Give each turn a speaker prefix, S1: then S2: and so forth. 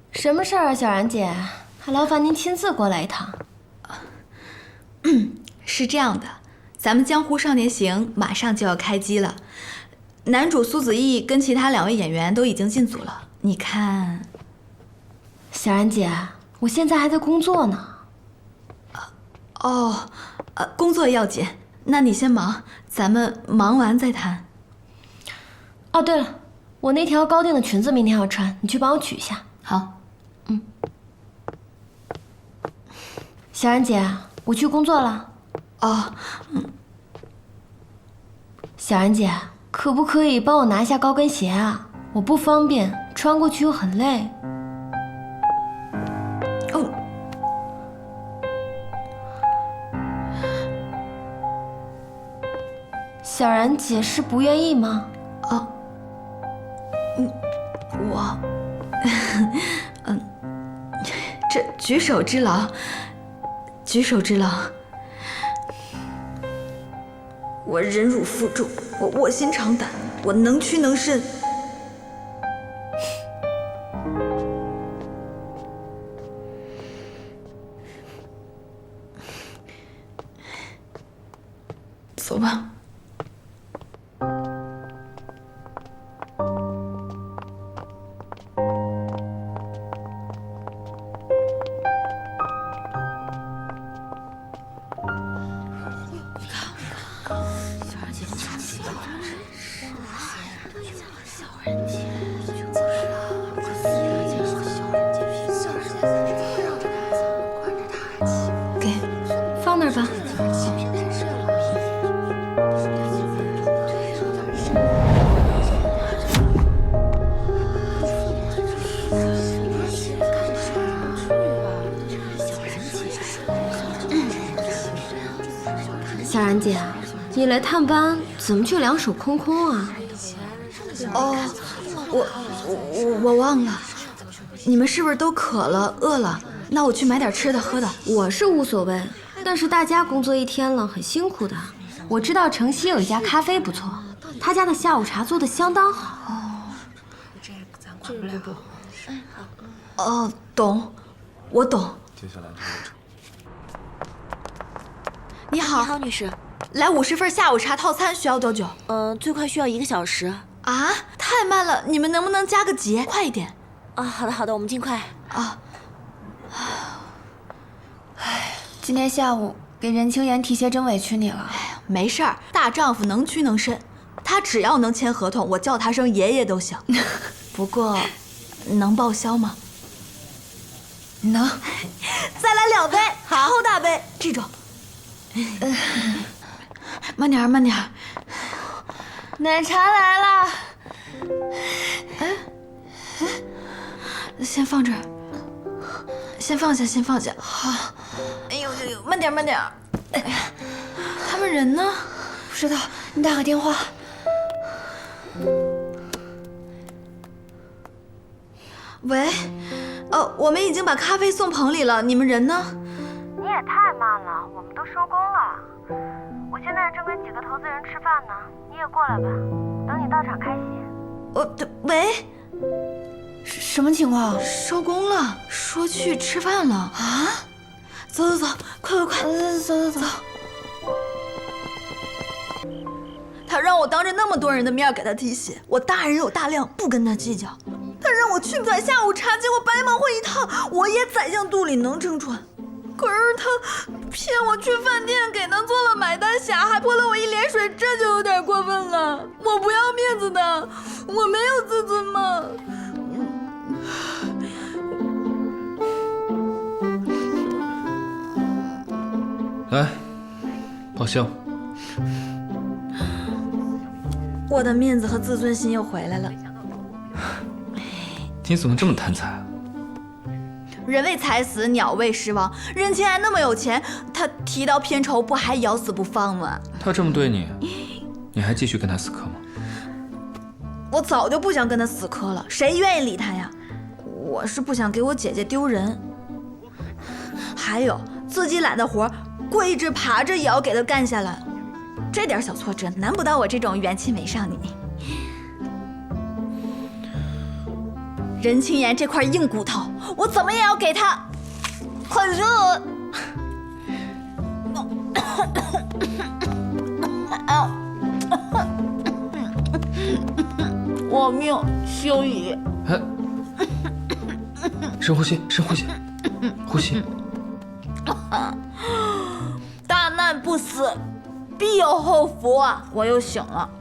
S1: 什么事儿啊，小然姐？还劳烦您亲自过来一趟。
S2: 是这样的，咱们《江湖少年行》马上就要开机了，男主苏子毅跟其他2位演员都已经进组了。你看，
S1: 小然姐，我现在还在工作呢。
S2: 工作要紧，那你先忙，咱们忙完再谈。
S1: 哦，对了，我那条高定的裙子明天要穿，你去帮我取一下。
S2: 好。
S1: 小然姐，我去工作了。小然姐，可不可以帮我拿一下高跟鞋啊？我不方便，穿过去又很累。小然姐是不愿意吗？
S2: 这举手之劳，举手之劳。我忍辱负重，我卧薪尝胆，我能屈能伸。走吧。
S1: 放那儿吧。小然姐，你来探班怎么却两手空空啊？
S2: 我忘了，你们是不是都渴了、饿了？那我去买点吃的喝的。
S1: 我是无所谓，但是大家工作一天了，很辛苦的。我知道城西有一家咖啡不错，他家的下午茶做的相当好。
S2: 懂，我懂。
S3: 接下来的流程。
S2: 你好，
S4: 你好，女士。
S2: 来50份下午茶套餐，需要多久？
S4: 最快需要1个小时。
S2: 啊，太慢了，你们能不能加个节，快一点？
S4: 好的好的，我们尽快。
S5: 今天下午给任清言提鞋真委屈你了。
S2: 没事儿，大丈夫能屈能伸，他只要能签合同，我叫他声爷爷都行。不过，能报销吗？
S5: 能。
S2: 再来2杯，超大杯这种。慢点儿，慢点儿。
S1: 奶茶来了。
S2: 先放这儿，先放下，先放下。好。哎呦，慢点儿，慢点儿。哎呀，他们人呢？
S5: 不知道，你打个电话。
S2: 喂，我们已经把咖啡送棚里了，你们人呢？
S6: 你也太慢了，我们都收工了。我现在正跟几个投资人吃饭呢，你也过来吧，等你到场开席。
S2: 喂，
S5: 什么情况？
S2: 收工了，说去吃饭了啊！走，快，走。他让我当着那么多人的面给他提鞋，我大人有大量，不跟他计较。他让我去买下午茶，结果白忙活一趟，我也宰相肚里能撑船。可是他骗我去饭店给他做了买单匣，还泼了我一脸水，这就有点过分了。我不要面子的，我没有自尊吗？
S3: 来，报销。
S2: 我的面子和自尊心又回来了。
S3: 你怎么这么贪财啊？
S2: 人为财死，鸟为食亡。任清言那么有钱，他提到片酬不还咬死不放吗？
S3: 他这么对你，你还继续跟他死磕吗？
S2: 我早就不想跟他死磕了，谁愿意理他呀？我是不想给我姐姐丢人。还有自己揽的活，跪着爬着也要给他干下来。这点小挫折难不倒我这种元气美少女。任清言这块硬骨头， 我怎么也要给他。可是我命休矣。
S3: 哎，深呼吸，深呼吸，呼吸。
S2: 大难不死，必有后福啊！我又醒了。